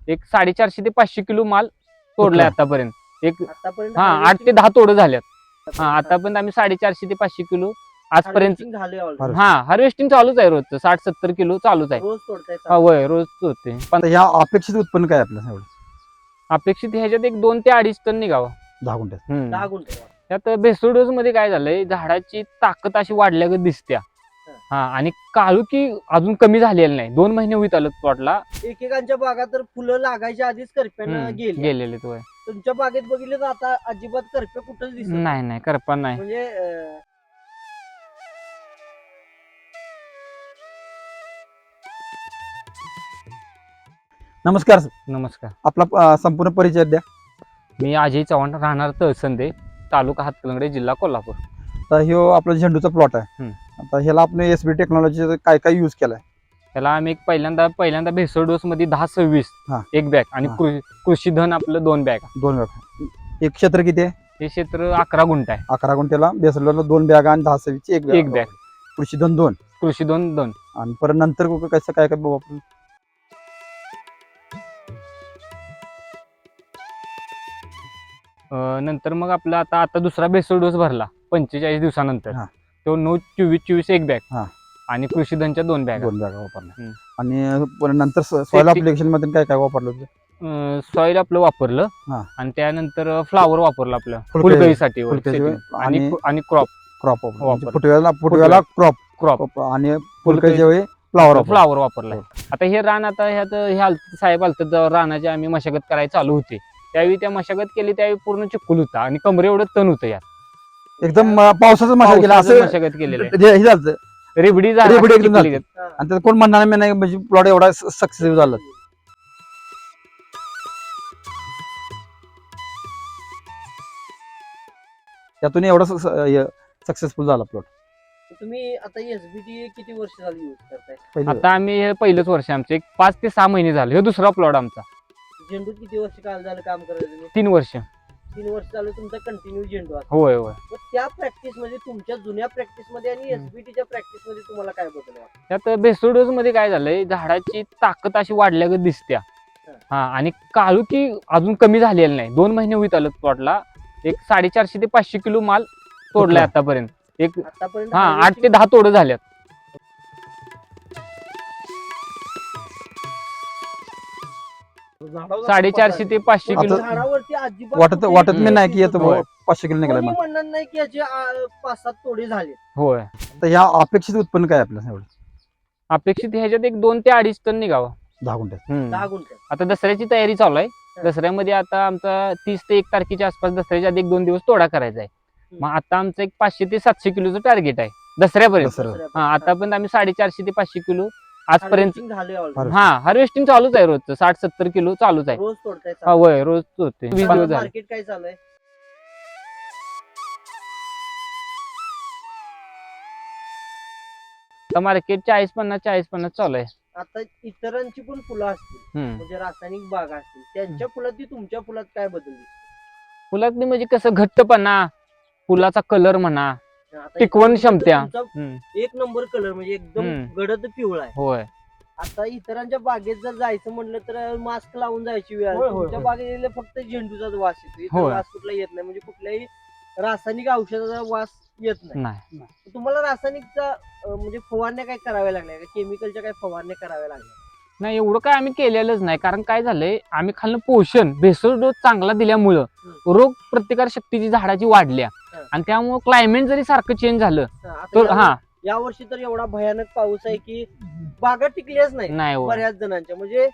एक 450 ते 500 किलो माल तोडलाय आतापर्यंत. एक आतापर्यंत 8 ते 10 तोड झाल्यात. आतापर्यंत आम्ही 450 ते 500 किलो आजपर्यंत. झाले already. हार्वेस्टिंग चालूच आहे रोजचं 60-70 किलो चालूच आहे. रोज तोडताय होय रोज होते. पण आता ह्या अपेक्षित उत्पन्न काय आपलं एवढं अपेक्षित ह्याच्यात एक 2 ते 2.5 टन निघावं. 10 गुंठ्यात? 10 गुंठे. त्यात भेसळ डोस मध्ये काय झालंय, झाडाची ताकद अशी वाढल्यागत दिसत्या. आणि काळुकी अजून कमी झालेली नाही. 2 महिने होईत आलं प्लॉटला. एकेकांच्या बागात तर फुलं लागायच्या आधीच करप्यानं गेलेले तो. तुमच्या बागेत बघितलं तर आता अजिबात करपे कुठंच दिसत नाही करपा नाही. म्हणजे नमस्कार सर. नमस्कार. आपला संपूर्ण परिचय द्या. मी अजय चव्हाण, राहणार तहसंदे, तालुका हातकणंगले, जिल्हा कोल्हापूर. तर ह्यो आपला झेंडूचा प्लॉट आहे. आता ह्याला आपण एसबी टेक्नॉलॉजी काय काय यूज केलाय? त्याला आम्ही एक पहिल्यांदा भेसळ डोस मध्ये 10-26 एक बॅग आणि कृषी धन आपलं 2 बॅग. 2 बॅग. एक क्षेत्र किती आहे? हे क्षेत्र 11 गुंठ आहे. 11 गुंठ्याला बेसरला 2 बॅग आणि 10-26 एक बॅग. कृषीधन 2. कृषी धन 2. आणि परत नंतर कसं काय काय वापरून? नंतर मग आपला आता दुसरा भेसळ डोस भरला 45 दिवसानंतर. तो 9-24 एक बॅग आणि कृषी धनच्या 2 बॅग. 2 बॅग वापरल्या. आणि परत नंतर सॉइल अप्लिकेशन मध्ये काय काय वापरलं होतं? सॉइल आपलं वापरलं आणि त्यानंतर फ्लावर वापरलं आपलं फुलकळीसाठी आणि क्रॉप फुटव्याला क्रॉप आणि फुलकळीच्या वेळी फ्लावर वापरला. आता हे रान आता ह्यात साहेब आलत रानाची आम्ही मशागत करायला चालू होते. त्यावेळी त्या मशागत केली त्यावेळी पूर्ण चिखल होता आणि कमरे एवढं तण होतं यात. एकदम पावसाचं मशागत केलेलं रेबडी एकदम झाली. आणि त्यात कोण म्हणणार नाही म्हणजे प्लॉट एवढा सक्सेसफुल झाला. त्यातून एवढा सक्सेसफुल झाला प्लॉट. तुम्ही आता एसबीटी किती वर्ष झाली यूज करताय? आता आम्ही हे पहिलंच वर्ष आमचं, एक 5 ते 6 महिने झाले. हे दुसरा प्लॉट आमचा. झेंडूत किती वर्ष काल झालं काम करायचं तुम्ही? 3 वर्ष. 3 वर्ष झालं तुमचा कंटिन्यू झेंडू आहे. होय. मग त्या प्रॅक्टिस मध्ये, तुमच्या जुन्या प्रॅक्टिस मध्ये आणि एसबीटीच्या प्रॅक्टिस मध्ये तुम्हाला काय बदल वाटतं? त्यात भेसळ डोस मध्ये काय झालंय, झाडाची ताकद अशी वाढल्यागत दिसत्या. आणि काळुकी अजून कमी झालेली नाही. 2 महिने होईत आलं प्लॉटला. एक 450 ते 500 किलो माल तोडलाय आतापर्यंत. एक 8 ते 10 तोड झाल्यात. झाडावर 450 ते 500 किलो. झाडावरती अजिबात वाटत मी नाही की येतो 500 किलो निघाला. म्हणणार नाही की याचे 5-7 तोडे झाले. होय. तर ह्या अपेक्षित उत्पन्न काय आपलं एवढं? अपेक्षित ह्याच्यात एक 2 ते 2.5 टन निघावं. 10 गुंठ्यात. 10 गुंठे. आता दसऱ्याची तयारी चालू आहे. दसऱ्यामध्ये आता आमचा 30 ते 1 तारखेच्या आसपास दसऱ्याच्या आधी 1-2 दिवस तोडा करायचा आहे. मग आता आमचं एक 500 ते 700 किलोचं टार्गेट आहे दसऱ्यापर्यंत. आतापर्यंत आम्ही 450 ते 500 किलो आजपर्यंत. हार्वेस्टिंग चालूच आहे रोजचं 60-70 किलो चालूच आहे. रोज तोडताय? होय रोज तोडते. 20 दिवस झाले. मार्केट काय चालू आहे? मार्केट 40-50 चालू आहे. आता इतरांची पण फुलं असतील, म्हणजे रासायनिक बागा असतील, त्यांच्या फुलात तुमच्या फुलात काय बदल दिसतो? फुलात म्हणजे कसं घट्टपणा, फुलाचा कलर म्हणा, टिकवण क्षमता. एक नंबर कलर म्हणजे एकदम गडद पिवळा आहे. होय. आता इतरांच्या बागेत जर जायचं म्हटलं तर मास्क लावून जायची वेळ आहे. तुमच्या बागेत फक्त झेंडूचाच वास येतो. इतर वास कुठला येत नाही, म्हणजे कुठल्याही रासायनिक औषधाचा वास येत नाही. तुम्हाला रासायनिकचा म्हणजे फवारण्या काय कराव्या लागल्या का? केमिकलच्या काय फवारण्या कराव्या लागल्या? नाही, एवढं काय आम्ही केलेलंच नाही. कारण काय झालंय, आम्ही खाल्लं पोषण भेसळ डोस चांगला दिल्यामुळं रोग प्रतिकार शक्तीची झाडाची वाढल्या. आणि त्यामुळे क्लायमेट जरी सारखं चेंज झालं तर या वर्षी तर एवढा भयानक पाऊस आहे की बागा टिकल्याच नाही बऱ्याच जणांच्या. म्हणजे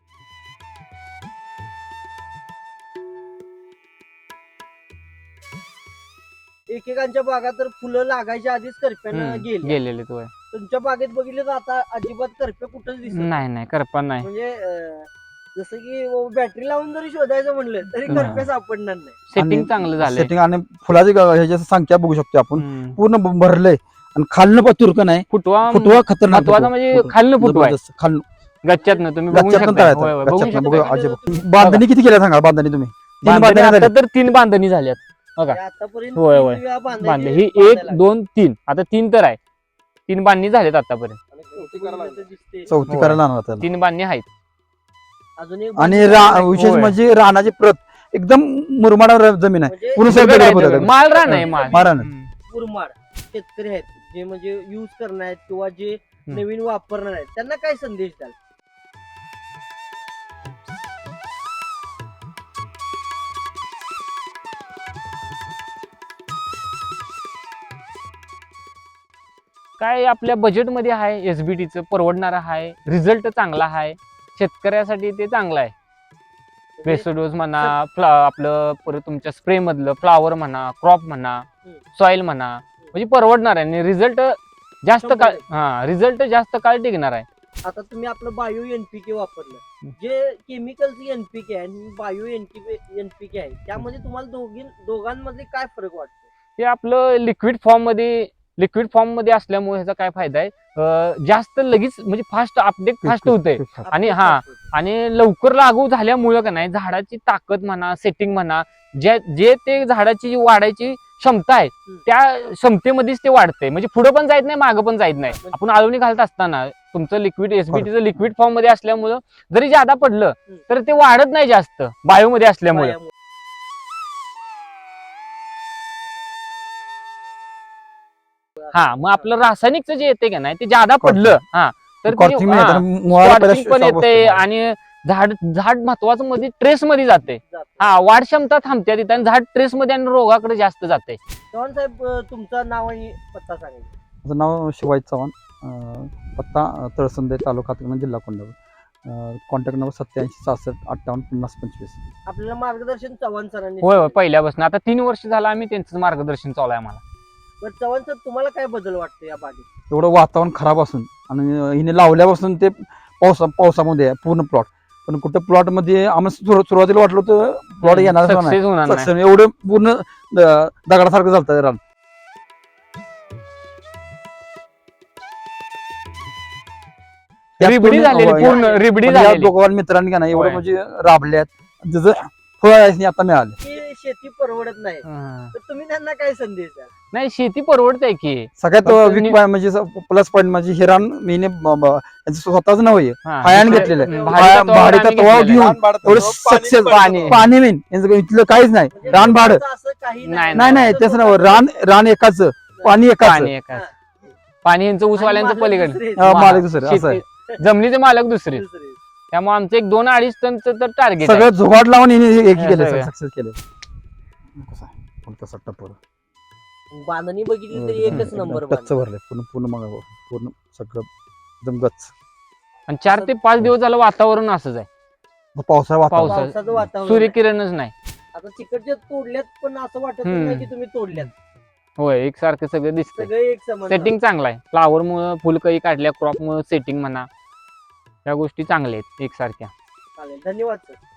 एकेकांच्या बागात तर फुलं लागायच्या आधीच करप्यानं गेलेले. तुमच्या बागेत बघितलं तर आता अजिबात करपे कुठंच दिसत नाही करपा नाही. म्हणजे जसं की बॅटरी लावून जरी शोधायचं म्हणलं तरी करपे सापडणार नाही. सेटिंग चांगलं झालं. सेटिंग आणि फुलाची ह्याची संख्या बघू शकतो आपण. पूर्ण भरलंय आणि खालनं पण तुरकं नाही. फुटवा खतरनाक. म्हणजे खालनं फुटवा खालनं गच्च्यातनं तुम्ही बघू शकता. बांधणी किती केल्या सांगा? बांधणी तुम्ही 3 बांधणी झाल्यात बघा. आतापर्यंत बांधले ही 1, 2, 3 आता 3 तर आहे. 3 बांधणी झाल्यात आतापर्यंत. चौथी करायला 3 बांधणी आहेत. अजून एक आणि बाजू- विशेष होय. म्हणजे रानाची प्रत एकदम मुरमाड जमीन आहे म्हणजे पूर्ण दगड सगळं आहे, दगड दगड. आहे. माल रान आहे माल माल रान. हम्म. मुरमाड शेतकरी आहेत जे म्हणजे युज करणार आहेत किंवा जे हम्म. नवीन वापरणार आहेत त्यांना काय संदेश द्याल? काय आपल्या बजेटमध्ये आहे एसबीटीचं परवडणारं आहे रिझल्ट चांगला आहे शेतकऱ्यासाठी ते चांगलं आहे बेसोडोज म्हणा आपलं परत तुमच्या स्प्रे मधलं फ्लावर म्हणा क्रॉप म्हणा हम्म. सॉइल म्हणा म्हणजे परवडणार आहे आणि रिझल्ट जास्त 100%. काळ रिझल्ट जास्त काळ टिकणार आहे. आता तुम्ही आपलं बायो एनपीके वापरलं जे केमिकलचं एनपीके आहे आणि बायो एनपीके आहे त्यामध्ये तुम्हाला दोघांमध्ये काय फरक वाटतो? ते आपलं लिक्विड फॉर्म मध्ये असल्यामुळे ह्याचा काय फायदा आहे जास्त लगेच म्हणजे फास्ट अपडेट फास्ट होते आणि आणि लवकर लागू झाल्यामुळं का नाही झाडाची ताकद म्हणा सेटिंग म्हणा जे ते झाडाची जी वाढायची क्षमता आहे त्या क्षमतेमध्येच ते वाढते म्हणजे पुढे पण जायत नाही मागं पण जायत नाही. आपण आळवणी घालत असताना तुमचं लिक्विड एसबीटीचं लिक्विड फॉर्म मध्ये असल्यामुळं जरी जादा पडलं तर ते वाढत नाही जास्त बायो मध्ये असल्यामुळे. मग आपलं रासायनिकचं जे येते का नाही ते जादा पडलं तर Corking नाही, तर मुळाला पहिला Corking पण shock येते बसतो. आणि झाड महत्वाचं मध्ये ट्रेस मध्ये जाते. वाढ क्षमता थांबते तिथे आणि झाड ट्रेस मध्ये आणि रोगाकडे जास्त जाते. चव्हाण साहेब तुमचं नाव आणि पत्ता सांगा. माझं नाव शिवाजी चव्हाण पत्ता तळसंदे तालुका हातकणंगले जिल्हा कोल्हापूर कॉन्टॅक्ट नंबर 87 68 58 50 25. आपल्याला मार्गदर्शन चव्हाण सरांनी होय पहिल्यापासून आता 3 वर्ष झालं आम्ही त्यांचं मार्गदर्शन चालू आहे आम्हाला. बरं चव्हाण सर तुम्हाला काय बदल वाटतो या बागेत? एवढं वातावरण खराब असून आणि हिने लावल्यापासून ते पावसामध्ये आहे पूर्ण प्लॉट पण कुठं प्लॉट मध्ये आम्हाला सुरुवातीला वाटलं होतं प्लॉट येणार सक्सेस होणार नाही. सक्सेस एवढं पूर्ण दगडासारखं झालं रान. रिबडी झालेली पूर्ण रिबडी पण या झालेली. दोघांनी मित्रांनी का नाही एवढं होय. म्हणजे राबल्यात जसं फळ आता मिळाले. की शेती परवडत नाही तर तुम्ही त्यांना काय संदेश द्याल? नाही शेती परवडते की सगळ्यात फक्त वीक पॉईंट म्हणजे प्लस पॉईंट म्हणजे हे रान मीने स्वतःच नव्हे पायाने घेतलेलं आहे. भाडेतत्वावर घेऊन एवढं सक्सेस पाणी मेन यांचं इथलं काहीच नाही म्हणजे रान भाडं लोकांचं असं काही नाही, नाही नाही तेच ना रान एकाच पाणी एकाच पाणी एकाच. पाणी यांचं ऊसवाल्यांचं आणि मालक पलीकडे दुसरे. मालिक दुसरं असं आहे. जमनीचे मालक दुसरे दुसरे. त्यामुळे आमचं एक 2-2.5 टनचं तर टार्गेट सगळं जुगाड लावून हिने हे हे केलं सगळं. सक्सेस केलं कसं आहे? कोणता सट्टा पोरं. बांधणी बघितली तर एकच नंबर टच्च भरले पूर्ण मग पूर्ण सगळं एकदम गच्च. आणि 4 ते 5 दिवस झालं वातावरण असंच आहे पावसाळा वातावरण पावसाचं वातावरण सूर्यकिरणच नाही. आता तिकडच्या तोडल्यात पण असं वाटत हम्म. नाही की तुम्ही तोडल्यात होय एकसारखं सगळं दिसतंय. सगळे एक समान सेटिंग चांगलं आहे फ्लावर मुळे फुलकळी काढल्या क्रॉप मुळे सेटिंग म्हणा या गोष्टी चांगल्या आहेत एकसारख्या. चालेल धन्यवाद सर.